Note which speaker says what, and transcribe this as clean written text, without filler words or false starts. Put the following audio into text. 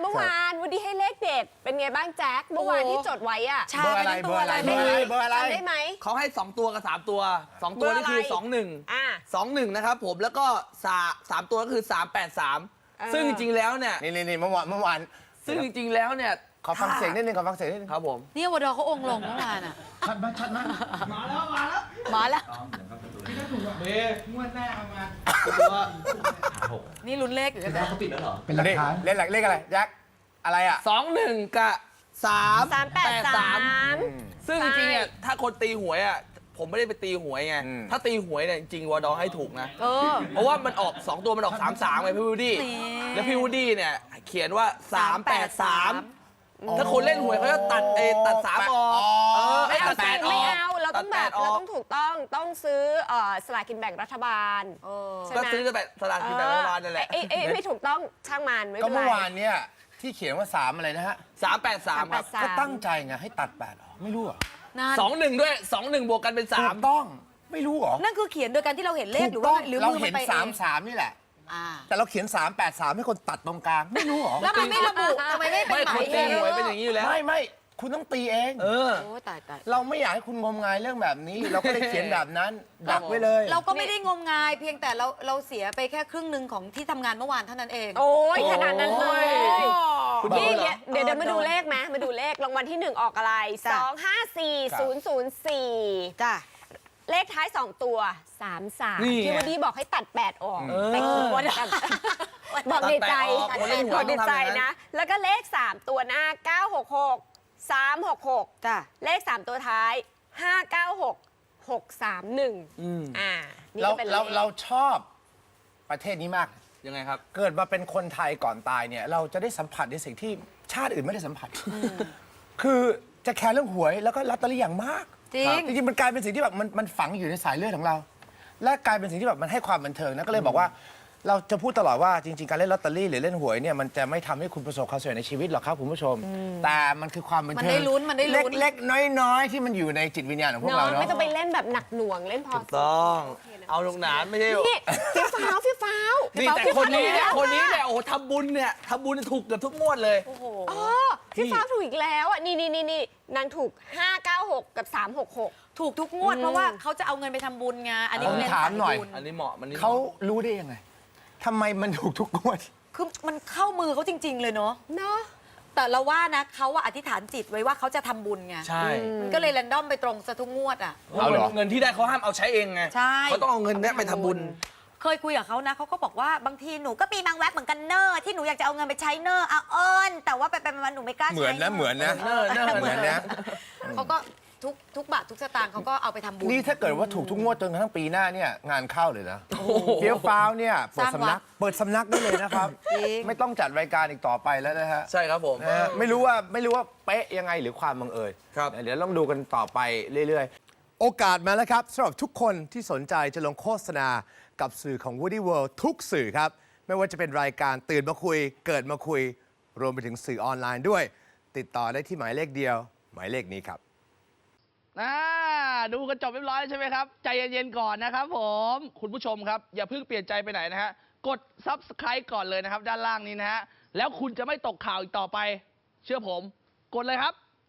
Speaker 1: มื่อวานวันนี้ให้เลขเด็ดเป็นไงบ้างแจ็คเมื่อวานที่จดไว้อะ
Speaker 2: เบอร์อะไรเบอร์อะไรเบอร์อะไรเบอร์อะไร
Speaker 1: ได้ไหม
Speaker 3: เขาให้2ตัวกับ3ตัว2ตัวนี่คือ21นะครับผมแล้วก็3ตัวก็คือ383ซึ่งจริงๆแล้วเนี่ย
Speaker 2: นี่เมื่อวาน
Speaker 3: ซึ่งจริงๆแล้วเนี่ย
Speaker 2: ขอฟังเสียงนิดนึง
Speaker 3: ครับผม
Speaker 4: นี่วดเขาองค์ลงเมื่อวานอ่ะ
Speaker 2: ชัดมาก
Speaker 4: มาแล้ว
Speaker 5: เบ้งวดหน้าเอามา
Speaker 4: นี่ลุ้นเลขอยู่กันนะ
Speaker 5: เขาปิดแล้วเหรอ
Speaker 2: เป็นหลักฐานเลขอะไรแจ็คอะไรอ่ะ
Speaker 3: 21กับ383ซึ่งจริงๆเนี่ยถ้าคนตีหวยอ่ะผมไม่ได้ไปตีหวยไงถ้าตีหวยเนี่ยจริงวอดอให้ถูกนะเพราะว่ามันออก2ตัวมันออก33ไงพี่วูดดี้แล้วพี่วูดดี้เนี่ยเขียนว่า383ถ้าคนเล่นหวยเขาจะตัด3ออก
Speaker 1: ไม่เอาไม่เอาเราต้องแบบเราต้องถูกต้องซื้อสลากกินแบ่งรัฐบาล
Speaker 3: ก็ซื้อสลากกินแบ่งรัฐบาลนั่นแหละ
Speaker 1: ไม่ถูกต้องช่างมันไม่เป็นไร
Speaker 2: ก็เมื่อวานเนี่ยที่เขียนว่า3อะไรนะฮะ
Speaker 3: 383ครับ
Speaker 2: ก็ตั้งใจไงให้ตัด8หรอไม่รู้หรอ
Speaker 3: 21ด้วย21บวกกันเป็น3
Speaker 2: ถูกต้องไม่รู้หรอ
Speaker 4: นั่นคือเขียนโดยการที่เราเห็นเลขหรือว่า
Speaker 2: เราเห็น33นี่แหละแต่เราเขียน383ให้คนตัดตรงกลางไม่รู้หรอ
Speaker 4: แล้วมันไม่ระบุทำไมไม่เป็นหมาย
Speaker 3: ตีหวยเป็นอย่างนี้อยู่แล้ว
Speaker 2: ไม่คุณต้องตีเอง
Speaker 4: โอ้ตาย
Speaker 2: เราไม่อยากให้คุณงมงายเรื่องแบบนี้เราก็เลยเขียนแบบนั้นดักไว้เลย
Speaker 4: เราก็ไม่ได้งมงายเพียงแต่เราเสียไปแค่ครึ่งหนึ่งของที่ทำงานเมื่อวานเท่านั้นเอง
Speaker 1: โอ้ยขนาดนั้นเลยนี่เดี๋ยวมาดูเลขไหมมาดูเลขรางวัลที่1ออกอะไร254004
Speaker 4: จ้ะ
Speaker 1: เลขท้าย2ตัว33ที่วันนี้บอกให้ตัด8ออกแต่คุณบอกในใจนะแล้วก็เลข3ตัวหน้า966 366จ้ะเลข3ตัวท้าย596 631
Speaker 2: เราชอบประเทศนี้มาก
Speaker 3: ยังไงครับ
Speaker 2: เกิดมาเป็นคนไทยก่อนตายเนี่ยเราจะได้สัมผัสในสิ่งที่ชาติอื่นไม่ได้สัมผัสคือจะแคร์เรื่องหวยแล้วก็ลอตเตอรี่อย่างมากจริงมันกลายเป็นสิ่งที่แบบมันฝังอยู่ในสายเลือดของเราและกลายเป็นสิ่งที่แบบมันให้ความบันเทิงนะก็เลยบอกว่าเราจะพูดตลอดว่าจริงๆการเล่นลอตเตอรี่หรือเล่นหวยเนี่ยมันจะไม่ทำให้คุณประสบความสำเร็จในชีวิตหรอกครับคุณผู้ชมแต่มันคือความบันเทิง
Speaker 4: มันได้ลุ้น
Speaker 2: เล็กๆน้อยๆที่มันอยู่ในจิตวิญญาณของพวกเราเนาะ
Speaker 1: ไม่ต้องไปเล่นแบบหนักหน่วงเล่นพอ
Speaker 3: ต้องเอาลงหนานไม่ใช่
Speaker 1: นี่ฟิฟ้าว
Speaker 3: นี่แต่คนนี้เนี่ยโอ้ทำบุญถูกเกือบทุกงวดเลย
Speaker 1: โอ้โหฟิฟ้าวถูกอีกแล้วอ่ะนี่นางถูก596กับ366
Speaker 4: ถูกทุกงวดเพราะว่าเขาจะเอาเงินไปทำบุญไงอันนี้
Speaker 2: ถามหน่อย
Speaker 3: อันนี้เหมาะ
Speaker 2: เขารู้ได้ยังไงทำไมมันถูกทุกงวด
Speaker 4: คือมันเข้ามือเขาจริงๆเลยเนาะแต่เราว่านะเขาอธิษฐานจิตไว้ว่าเขาจะทำบุญไง
Speaker 3: ใช่
Speaker 4: มันก็เลยแรนดอมไปตรงซะทุกงวดอ่ะ
Speaker 3: เงินที่ได้เขาห้ามเอาใช้เองไงเขาต้องเอาเงินนี้ไปทำบุญ
Speaker 4: เคยคุยกับเขานะเขาก็บอกว่าบางทีหนูก็มีบางแวบเหมือนกันเนอร์ที่หนูอยากจะเอาเงินไปใช้เนอร์แต่ว่าไปมาหนูไม่กล้าใช้
Speaker 2: เหมือนนะเหมือนนะ
Speaker 4: เขาก็ทุกบาททุกสตางค์เขาก็เอาไปทำบุญ
Speaker 2: นี่ถ้าเกิดว่าถูกทุกงวดจนกระทั่งปีหน้าเนี่ยงานเข้าเลยนะเฟี้ยวฟ้าวเนี่ยเปิดสำนักได้เลยนะครับไม่ต้องจัดรายการอีกต่อไปแล้วนะฮะ
Speaker 3: ใช่ครับผม
Speaker 2: ไม่รู้ว่าเป๊ะยังไงหรือความบังเอิญเดี๋ยวต้องดูกันต่อไปเรื่อยๆโอกาสมาแล้วครับสำหรับทุกคนที่สนใจจะลงโฆษณากับสื่อของ Woody World ทุกสื่อครับไม่ว่าจะเป็นรายการตื่นมาคุยเกิดมาคุยรวมไปถึงสื่อออนไลน์ด้วยติดต่อได้ที่หมายเลขเดียวหมายเลขนี้ครับ
Speaker 3: ดูกันจบเรียบร้อยใช่ไหมครับใจเย็นๆก่อนนะครับผมคุณผู้ชมครับอย่าเพิ่งเปลี่ยนใจไปไหนนะฮะกด Subscribe ก่อนเลยนะครับด้านล่างนี้นะฮะแล้วคุณจะไม่ตกข่าวอีกต่อไปเชื่อผมกดเลยครับ